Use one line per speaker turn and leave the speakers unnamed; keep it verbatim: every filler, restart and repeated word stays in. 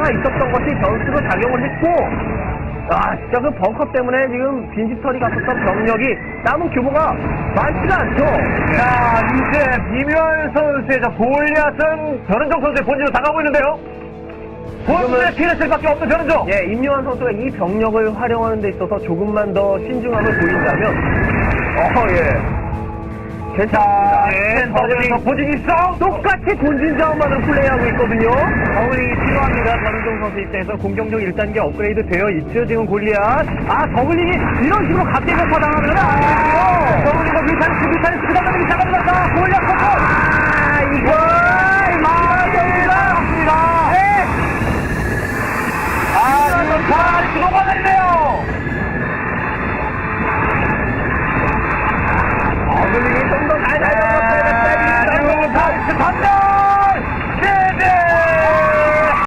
있었던 것이 변수로 작용을 했고, 아, 진짜 그 벙커 때문에 지금 빈집털이 갔었던 병력이 남은 규모가 많지가 않죠.
자, 이제 미묘한 선수의 저 골리앗은 변은정 선수의 본진으로 다가오고 있는데요. 본진의 피해를 밖에 없는 변은정.
예, 임요한 선수가 이 병력을 활용하는 데 있어서 조금만 더 신중함을 보인다면, 어, 예. 괜찮습니다.
예, 버블링 본진 있어.
똑같이 본진 자원만으로 플레이하고 있거든요.
버블링이 필요합니다. 변은정 선수 입장에서 공격력 일 단계 업그레이드 되어 있죠. 지금 골리앗. 아, 버블링이 이런 식으로 각계가 파당하면 안 되고요. 버블링과 뮤탄스, 뮤탄스, 그 다음에 잡아들었다. 골리앗 커터.
아, 이거, 맞습니다.